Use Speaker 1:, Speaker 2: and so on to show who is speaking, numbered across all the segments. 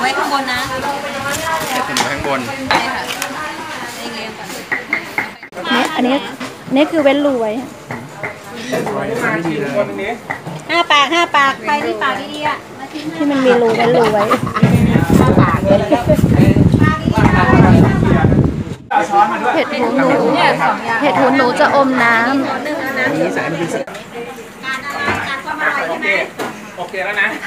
Speaker 1: ว้ข้างบนนะ
Speaker 2: เก็บไว้ข้างบน
Speaker 1: ใช่ค่ะ
Speaker 3: เนี่ยอันนี้คือเว้นรูไว้
Speaker 1: 5 ปากใครที่ปากดีๆอ่ะ
Speaker 3: ที่มันมีรูเว้นรูไว้เห็ดหูหนูจะอมน้ำ
Speaker 2: โอเคแล้วนะ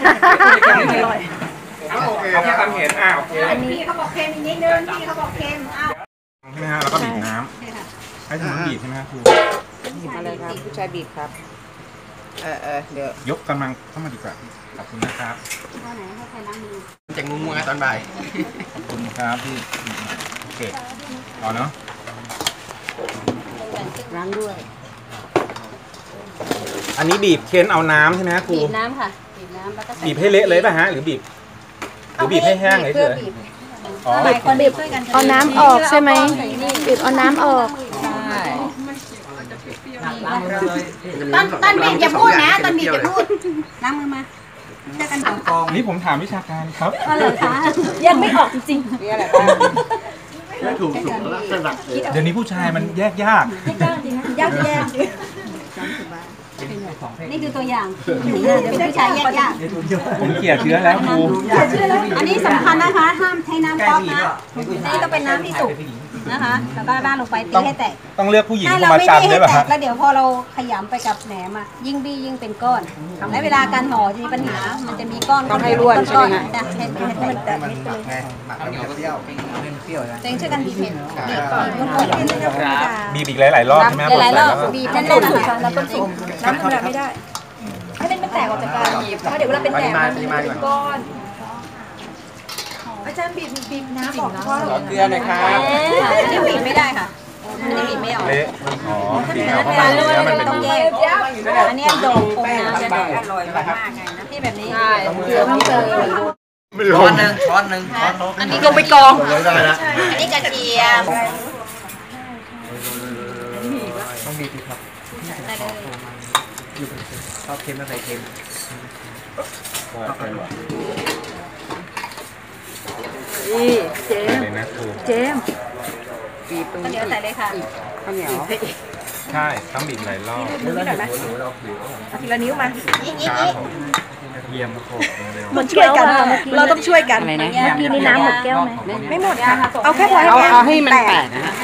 Speaker 2: โอเคแค่ทำเห็นโอเค
Speaker 1: อันนี้เขาบอกเค็มอีกนิดนึงนี่เขาบอกเค็ม
Speaker 2: ใช่ไหมฮะแล้วก็บีบน้ำให้ถึงบีบใช่ไหมครับครู
Speaker 4: อะไรครับผู้ชายบีบครับเดี๋ยวย
Speaker 2: กกำลังเข้ามาดีกว่าขอบคุณนะครับ
Speaker 1: ข้อไหนให้ใครล้างมือ
Speaker 2: จากงูมัวตอนบ่ายขอบคุณครับที่โอเคต่อเนาะ
Speaker 1: ล้างด้วย
Speaker 2: อันนี้บีบเค้นเอาน้ำใช่ไหมครู
Speaker 1: บีบน้ำค่ะบีบน้ำแล้วก็
Speaker 2: บีบให้เละเลยป่ะฮะหรือบีบให้แห้งเลยเฉย
Speaker 1: หลายคนบีบช่วยกัน
Speaker 3: เอาน้ำออกใช่ไหมบีบเอาน้ำออก
Speaker 1: ใช่ตอนบีบอย่าพูดนะตอนบีบอย่าพูดล้างมือมาเจอกันก่อน
Speaker 2: นี่ผมถามวิชาการครับ
Speaker 1: อะไรคะ
Speaker 3: ยังไม่ออกจริง
Speaker 4: ๆนี่อะไรบ้าง
Speaker 2: ถูกเดี๋ยวนี้ผู้ชายมันแยกยาก
Speaker 1: จริงนะยากนี่คือตัวอย่างเดี๋ยวผู้ชายแยก
Speaker 2: ผมเกลี่ยเชื้อแล้วครู
Speaker 1: อันนี้สำคัญนะคะห้ามใช้น้ำก๊อกนะนี่ต้องเป็นน้ำที่สุกนะคะแล้วก็ราดลงไปตีให้แตก
Speaker 2: ต้องเลือกผู้หญิงมาจำด้วยป่ะฮะ
Speaker 1: แล้วเดี๋ยวพอเราขยำไปกับแหนมยิ่งบี้ยิ่งเป็นก้อนและเวลาการห่อจะมีปัญหามันจะมีก้อน
Speaker 4: ต้องให้ร่วนใช่ไหมฮะ
Speaker 1: ให้แตกนิดเลยเจ๊งช่วยกันบีบเห็ด
Speaker 2: บีบอีกหลายๆรอบใช่ไหม
Speaker 1: หลายๆรอบบีบแน่นๆนะคะ
Speaker 3: แล้วต้มสุกน้ำธรรมดาไม่ได้ให้มันแตกออกจากกันเพราะเดี๋ยวเวลาเป็นแหนมมันเป็นก้อนอาจารย์บีบน้ำออกเพราะ
Speaker 2: เกลือหน่อยครับ
Speaker 1: อันนี้บีบไม่ได้ค่ะอันนี้บีบไม่ออก
Speaker 2: เละอ๋อบีบไม่ออกเพราะมัน
Speaker 1: ต้องแยกอันนี้โด่งปงน้ำจะได้อร่อยมากไงนะที่แบบนี้เกลือต้องเติม
Speaker 2: ช้อนหนึ่ง
Speaker 1: อันนี้ลงไปกองอันนี้กระเทียม
Speaker 2: ต้องบีบครับชอบเค็มอะไรเค็ม
Speaker 3: นี่เจม
Speaker 1: บีบตรงนี้เดี๋ยวใส่เลยค่ะ
Speaker 4: ข้าวเหนียว
Speaker 2: ใช่ต้องบีบหลายรอบ
Speaker 3: มือหน่อยไหมทีละนิ้วมา
Speaker 2: เยี่ยมโคตร
Speaker 3: หมดแก้วเราต้องช่วยกันเมื่อกี้นี้น้ำหมดแก้วไหมไม่หมดค่ะเอาแค่พอ
Speaker 4: เอาให้มันแตกนะฮะ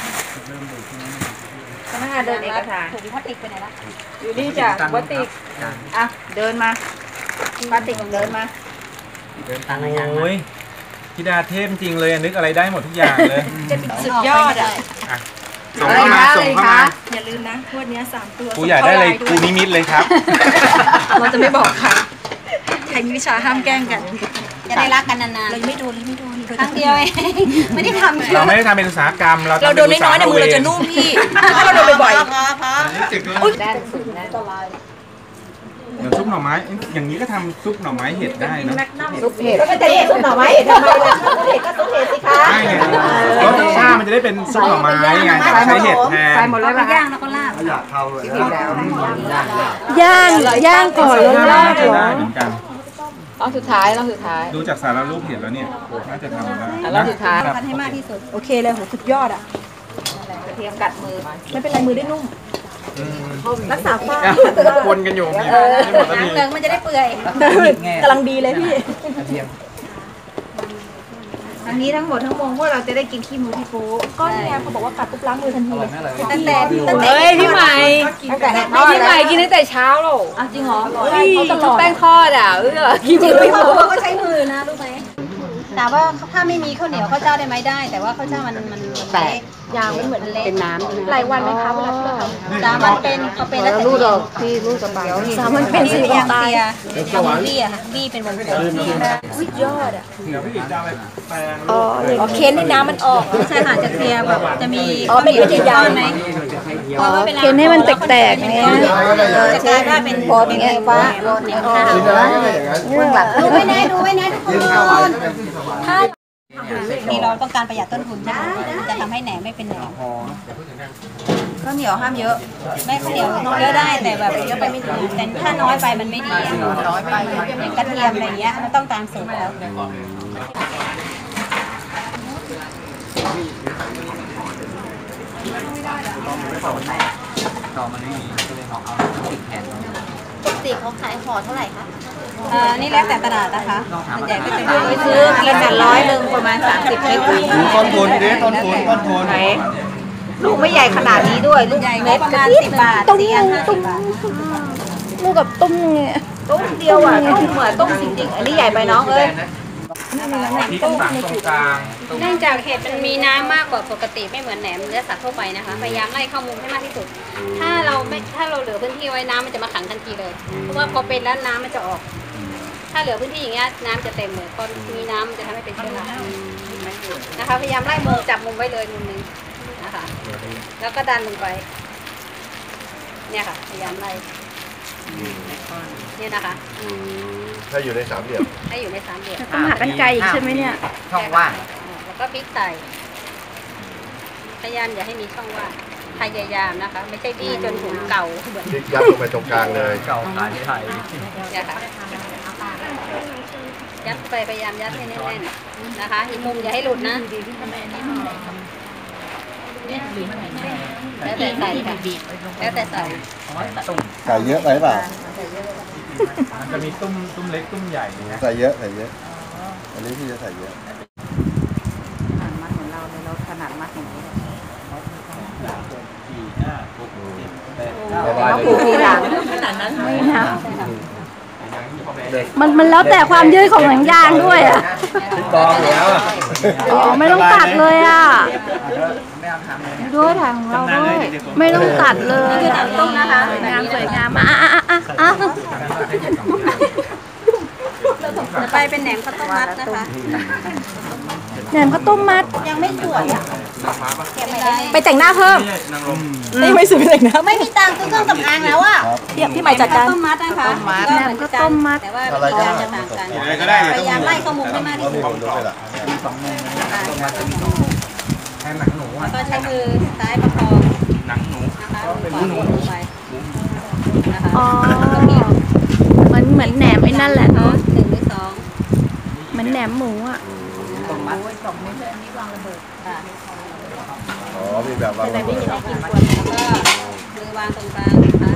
Speaker 3: พนักงานเดินเอกสาร
Speaker 1: ถุงพลาสติกไปไหนละ
Speaker 3: อยู่นี่จ้ะพลาสติกเดินมาพลาสติกเดินมา
Speaker 2: โอ้ยพี่ดาเทพจริงเลยนึกอะไรได้หมดทุกอย่างเลย
Speaker 1: สุดยอด
Speaker 2: ส่งเข้ามา
Speaker 3: อย่าลืมนะงวดนี้3 ตัว
Speaker 2: กูอยากได้อะไรกูนิมิตเลยครับ
Speaker 3: เราจะไม่บอกใครมีวิชาห้ามแกล้งกัน
Speaker 1: จะได้รักกันนานๆ
Speaker 3: เราไม่โดน
Speaker 1: ครั้งเดียวเองไม่ได้ทำ
Speaker 2: เราไม่ได้ทำเป็นอุตสาหกรรม
Speaker 3: เราโดนน้อยๆในมือเราจะนุ่มพี่ถ้าเราโดนบ่อย
Speaker 1: ๆด้านสุดนะ
Speaker 2: เดี๋ยวซุปหน่อไม้อย่างนี้ก็ทำซุปหน่อไม้เห็ดได้นะ
Speaker 4: ซุปเห็ด
Speaker 3: ก็จะเรียกซุปหน่อไม้เห็ดทำไมล่ะซุปเห็ดก็ซุปเห็ดสิคะ
Speaker 2: ใช่ไงรสชาติมันจะได้เป็นซุปหน่อไม้ไงใช้เห็ดแทน
Speaker 4: ใส่หมดเลยป่ะ
Speaker 1: ย่างแล้วก็ลาบ
Speaker 2: อยากเข้าเลย
Speaker 3: ย่างก่อนแล้วลาบ
Speaker 2: ได้เหมือนกัน
Speaker 4: รอบสุดท้าย
Speaker 2: ดูจากสารรูปเห็นแล้วเนี่ยน่าจะทำได้
Speaker 4: รอบสุดท้าย
Speaker 1: กันให้มากที่สุด
Speaker 3: โอเคเลยโหสุดยอดอ่ะ
Speaker 1: กระเทียมกัดมือ
Speaker 3: ไม่เป็นไรมือได้นุ่มรักษาฝ้า
Speaker 2: วนกันอยู่
Speaker 1: น้ำเติมมันจะได้เปื่อย
Speaker 3: กำลังดีเลยพี่
Speaker 1: อันนี้ทั้งหมดทั้งมวลพวกเราจะได้กินขี้มือพี่ปู
Speaker 3: ก็เนี่ยเขาบอกว่ากัดปุ๊บล้างมือทันทีเลย
Speaker 1: ตั้งแต่
Speaker 4: พี่ใหม่กินตั้งแต่เช้าหรอ
Speaker 1: จริงเหรอ
Speaker 4: เขาตลอดแป้งทอด
Speaker 1: กินจริงพี่ปูเขาก็ใช้มือนะรู้ไหมแต่ว่าถ้าไม่มีข้าวเหนียวข้าวเจ้าได้ไหมได้แต่ว่าข้าวเจ้ามัน
Speaker 4: แตก
Speaker 3: ยางมันเหมือน
Speaker 4: เป็นน้ำ
Speaker 3: หลายวันไหมคะเวลาที่เรา
Speaker 1: ทำ3 วันเป็นเขาเป็นแล้วแต่
Speaker 4: รูดออกที่รูดกระเป๋า
Speaker 3: 3 วันเป็น4 วันตาย
Speaker 1: เอาบี้อะค่ะบี้เป็นวงกลม
Speaker 3: สุดยอดอ่ะ
Speaker 2: เดี๋ยวพี่อีกจะอะไรแปลง
Speaker 3: อ๋อเค้นให้น้ำมันออก
Speaker 1: ไม่ใช่ค่ะจะเคลียร์แบบจะมี
Speaker 3: เป็นวิธียาว
Speaker 1: ไหม
Speaker 3: เค้นให้มันแตกๆเนี่ย
Speaker 1: จะกลายว่าเป็น
Speaker 3: พอเป็นไงฟ้า
Speaker 1: เบื้องหลังดูไว้นะทุกคนถ้านี่เราต้องการประหยัดต้นทุนใช่ไหมจะทำให้แหนมไม่เป็นแหนมข้าวเหนียวห้ามเยอะไม่ข้าวเหนียวเยอะได้แต่แบบเยอะไปไม่ดีแต่ถ้าน้อยไปมันไม่ดีน้อยไปอย่างกระเทียมอะไรเงี้ยมันต้องตามสูตรแล้ว
Speaker 2: ต่อมันไม่มีก็เลยเอาติดแขน
Speaker 1: ปกติเขาขายห่อเท่าไหร่คะนี่แล้วแต่ตลาดนะคะส่วนใหญ่ก็จะไป
Speaker 4: ซื้อกินกัน100ประมาณ30 ลิตร
Speaker 2: ต้นทุนดิต้นทุน
Speaker 4: ไหนลูกไม่ใหญ่ขนาดนี้ด้วยลูก
Speaker 1: ใหญ่
Speaker 4: เม็ด
Speaker 1: ประมาณ10 บาท4 อัน50 บาท
Speaker 3: ลูกกับตุ้มเนี่ย
Speaker 4: ต้มเดียวอ่ะต้มเหมือนต้มจริงๆอันนี้ใหญ่ไปน้องเอ้ย
Speaker 2: ที่สั่งตรงกลาง
Speaker 1: เนื่องจากเห็ดมันมีน้ำมากกว่าปกติไม่เหมือนแหนมเนื้อสัตว์ทั่วไปนะคะพยายามไล่เข้ามุมให้มากที่สุดถ้าเราเหลือพื้นที่ไว้น้ำมันจะมาขังทันทีเลยเพราะว่าพอเป็นแล้วน้ำมันจะออก ถ้าเหลือพื้นที่อย่างเงี้ยน้ำจะเต็มเลยพอมีน้ำมันจะทำให้เป็นเชื้อรานะคะพยายามไล่มุมจับมุมไว้เลยมุมนึงนะคะแล้วก็ดันลงไปเนี่ยค่ะพยายามไล่เนี่ยนะคะ
Speaker 5: ถ้าอยู่ในสามเหลี่ยม
Speaker 1: ให้อยู่ใน3 เหลี่ยม
Speaker 3: ต้องหากันไกลอีกใช่ไหมเนี่ย
Speaker 4: ช่องว่าง
Speaker 1: แล้วก็พลิกใส่พยายามอย่าให้มีช่องว่างพยายามนะคะ ไม่ใช่บี้จนหุ่นเก่าเหมือน
Speaker 5: พลิกยัดลงไปตรงกลางเลย
Speaker 2: เก่าขายไทย
Speaker 1: เนี่ยค่ะยัดไปพยายามยัดให้แน่นๆนะคะอีกมุมอย่าให้หลุดนะแล้วแต่ใส่ค่ะแล้วแต่ใส่
Speaker 5: ใส่เยอะไปเปล่า
Speaker 2: มันจะมีตุ้มเล็กตุ้มใหญ่นะ
Speaker 5: ใส่เยอะอันนี้พี่จะใส่เยอะ
Speaker 4: มัดเหมือนเราเลยเราถนัดมัดอย่างนี้
Speaker 5: เรา
Speaker 4: ผูกทีหลัง
Speaker 3: ไม่นะมันแล้วแต่ความยืดของหนังยางด้วยอ่ะ
Speaker 5: กองแล้วอ่ะ
Speaker 3: อ๋อไม่ต้องตัดเลยอ่ะด้วยทางเราด้วยไม่ต้องตัดเลย
Speaker 1: ต้มนะคะ
Speaker 3: สวยงามสวยงามอ่ะ
Speaker 1: ไปเป็นแหนมข้าวต้มมัดนะคะ
Speaker 3: แหนมข้าวต้มมัด
Speaker 1: ยังไม่สวยอ่ะเก็บไปได้
Speaker 3: ไปแต่งหน้าเพิ่ม นี่ไม่ซื้อไปแต่งหน้า
Speaker 1: ไม่มีตังค์ซื้อเครื่องสำอางแล้วอ่ะ
Speaker 3: พี่ใหม่จัดการ
Speaker 1: ต้มมัดนะคะแหนมข้าวต้มมัดแต่ว่าวิธีการจะต่างกัน
Speaker 2: อะไรก็ได้
Speaker 1: พยายามไล่ข้อมูลให้มากที่สุด
Speaker 2: มี2 มุมแทนหนังหนู
Speaker 1: แล้วก็ใช้มือซ้ายประคอง
Speaker 2: หนังหนู
Speaker 1: นะคะมือขวาลงไปนะคะ
Speaker 3: อ๋อ
Speaker 1: แล้วก็บีบ
Speaker 3: เหมือนแหนมไอ้นั่นแหละเนาะ
Speaker 1: 1 หรือ 2
Speaker 3: เหมือนแหนมหมูอ่ะ
Speaker 1: ค่ะ
Speaker 5: อ๋อมีแบบวางระเบิด
Speaker 1: แล้วก็มือวางตรงกลางนะคะ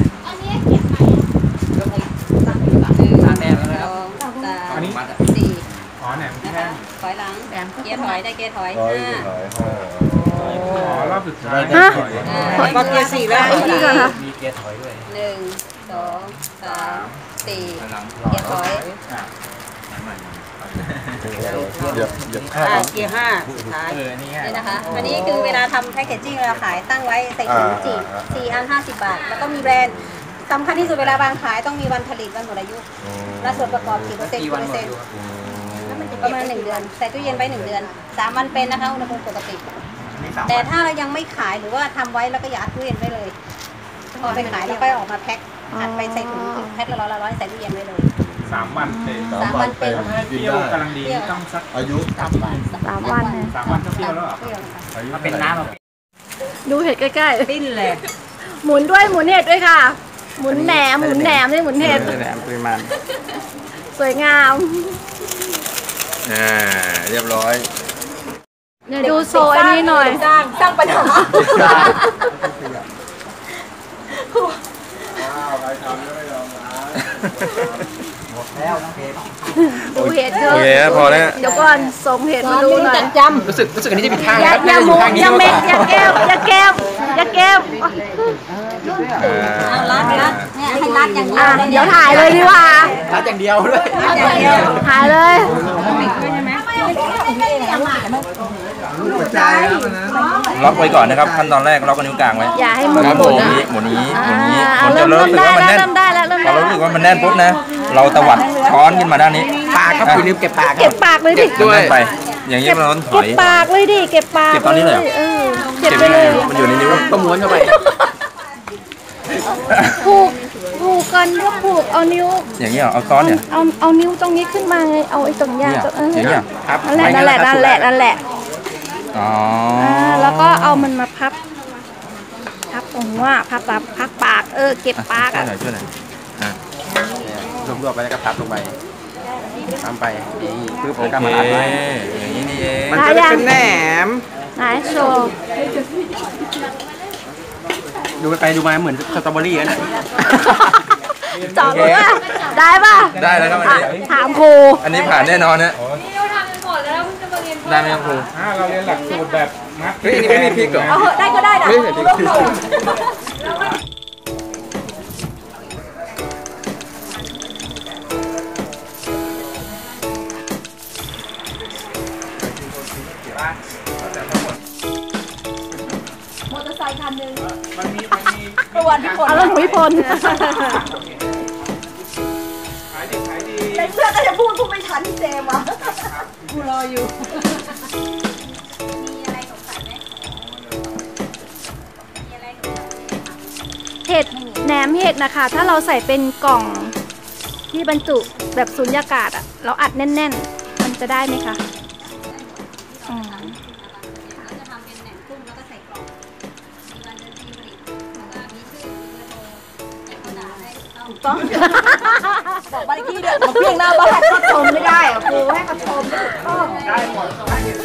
Speaker 1: 4
Speaker 2: อ๋อแหนม
Speaker 1: นะ
Speaker 2: แท่
Speaker 1: คะ
Speaker 2: ง
Speaker 1: ถอยหลังเกียร์ถอยได้เกียร์ถอย
Speaker 5: ร้อย
Speaker 1: 5
Speaker 2: อ๋อรอบสุดท้าย
Speaker 3: ฮะ
Speaker 4: บอลเกียร์4แล้ว
Speaker 3: นี่ก่อนค่ะ
Speaker 2: มีเกียร์ถอยด้วย
Speaker 1: 1 2 3 4เกียร์ถอย
Speaker 5: เหยียบข้า
Speaker 4: เกียร์5สุดท้าย
Speaker 2: นี่
Speaker 1: นี่นะคะ อันนี้คือเวลาทำแพคเกจจิ้งเราขายตั้งไว้ใส่ถุงจีบ4 อัน 50 บาท แล้วก็มีแบรนด์สำคัญที่สุดเวลาบางขายต้องมีวันผลิตวันหมดอายุและส่วนประกอบกี่เปอร์เซ็นต์ประมาณ1 เดือนใส่ตู้เย็นไว้1 เดือน3 วันเป็นนะคะอุณหภูมิปกติ แต่ถ้าเรายังไม่ขายหรือว่าทำไว้แล้วก็อย่าอัดตู้เย็นไว้เลยพอไปขายแล้วก็ออกมาแพ็คอัดไปใส่ถุงแพ็คละร้อยใส่ตู้เย็นไว้เลย
Speaker 2: 3 วันเต็ม
Speaker 1: 3 วันเป็น
Speaker 2: เปรี้ยวกำลังดีต้องสัก
Speaker 5: อายุ
Speaker 3: 3 วันเนี่ย
Speaker 2: 3 วันก็เปรี้ยวแล้วเหรอ
Speaker 1: เปรี้ยวค่ะ
Speaker 5: อายุ
Speaker 2: ถ้าเป็นน้ำ
Speaker 3: ดูเห็ดใกล้
Speaker 4: ปิ้นเลย
Speaker 3: ๆหมุนด้วยหมุนเห็ดด้วยค่ะ หมุนแหนมไม่หมุนเห็ด
Speaker 2: แหนมปริมาณ
Speaker 3: สวยงาม
Speaker 5: เรียบร้อย
Speaker 3: เนี่ยดูโซอันนี้หน่อย
Speaker 4: สร้างปัญหา
Speaker 3: ดูเห็ดเถ
Speaker 5: โอ
Speaker 3: อะ
Speaker 5: เคพอแล้ว
Speaker 3: เดี๋ยวก่อนส่งเห็ดมาดูหน่อย
Speaker 2: รู้สึกอันนี้จะมีทาง
Speaker 3: อย่าหมุนอย่าเม็ดอย่าแก้ว
Speaker 1: เอารัดเนี่ยให้รัดอย่างนี้
Speaker 3: เดี๋ยวถ่ายเลยดีกว่า
Speaker 2: รัดอย่างเดียวด้วย
Speaker 1: รัดอย่างเดียว
Speaker 3: ถ่ายเลย
Speaker 6: ล็อกไว้ก่อนนะครับขั้นตอนแรกล็อกนิ้วกลางไว้
Speaker 3: อย่าให้มือ
Speaker 6: ครับ
Speaker 3: ห
Speaker 6: ผ
Speaker 3: มุ
Speaker 6: ม
Speaker 3: นนะ
Speaker 6: หมุนนี้
Speaker 3: เริ่ม
Speaker 6: จะรู้สึกว่ามันแน่น
Speaker 3: เริ่มได้แล้ว
Speaker 6: พอเรารู้สึกว่ามันแน่นปุ๊บนะ เราตวัดช้อนขึ้นมาด้านนี้
Speaker 2: ปากครับคุณลืมเก็บปาก
Speaker 3: เก็บปากเลยดิ
Speaker 6: ด้วยไป อย่างนี้เราต้องถ
Speaker 3: เก็
Speaker 6: อบ ย
Speaker 3: ปากเลยดิเก็บปาก
Speaker 6: เก็บตอนนี้เลยเหรอ
Speaker 3: เก็บ
Speaker 6: เก็บ
Speaker 3: ไป
Speaker 6: ยัง
Speaker 3: เล
Speaker 6: ไง
Speaker 3: ย
Speaker 6: มันอยู่ในนิ้วก็ม้วนเข้าไป
Speaker 3: ผูกกันก็ผูกเอานิ้ว
Speaker 6: อย่างนี้เหรอเอาซ้อนเนี่ย
Speaker 3: เอานิ้วตรงนี้ขึ้นมาไงเอาไอ้ตรงยา
Speaker 6: เนี่ย
Speaker 3: ตรง
Speaker 6: อย่างนี้เหรอครับ
Speaker 3: นั่นแหละ
Speaker 6: อ๋อ
Speaker 3: แล้วก็เอามันมาพับตรงว่าพับปากเก็บปาก
Speaker 6: ช่วยหน่อยอ่ะรวบๆไปแล้วก็พับลงไป
Speaker 2: ตามไปนี่คือโป
Speaker 6: โอ
Speaker 2: รแกรม
Speaker 6: เค
Speaker 2: มาอัดไว้
Speaker 6: อย่างนี้นี่เอง
Speaker 2: มันจะได้เป็นแหนม
Speaker 3: ไหนโชว์
Speaker 2: ดูไปดูมาเหมือนสตรอเบอรี่นะ
Speaker 3: จอบเลยว่าได้ป่ะ
Speaker 6: ได้แล้วครับอันนี้
Speaker 3: ถามครู
Speaker 6: อันนี้ผ่านแน่นอนนะได้ไหมครับครู
Speaker 2: เราเรียนหลักสูตรแบบมัดเฮ้ยอันนี้ไม่มีพริกเหรอ
Speaker 1: เอาเหอะได้ก็ได้นะ
Speaker 2: ไม่ใส่พริก
Speaker 1: มอเตอร์ไซค์คันหนึ่ง
Speaker 2: มันมี
Speaker 1: ประวันที่คน
Speaker 3: เอาแล้วหนูพิพล
Speaker 2: ขายดีขายดี
Speaker 1: ในเสื้อก็จะพูดไม่ทันที่เจมอ่ะกูรออยู่
Speaker 3: เห็ดแหนมเห็ดนะคะ ถ้าเราใส่เป็นกล่องที่บรรจุแบบสุญญากาศอะเราอัดแน่นๆ มันจะได้ไหมคะอืม
Speaker 1: จะทำเป็นแหนมกุ้งแล้วก็ใส่กล่องมีวันเดือนปีผลิตแล้วก็มีชื่อมีเบอร์โทรแต่เขาด่าได้ถูกต้องบอกบ้านเลขที่เดือนมาเพียงหน้าบ้าน
Speaker 4: ชมไม่ได้อะครูให้เขาชมไม่ถูกต้อง
Speaker 2: ได้หมด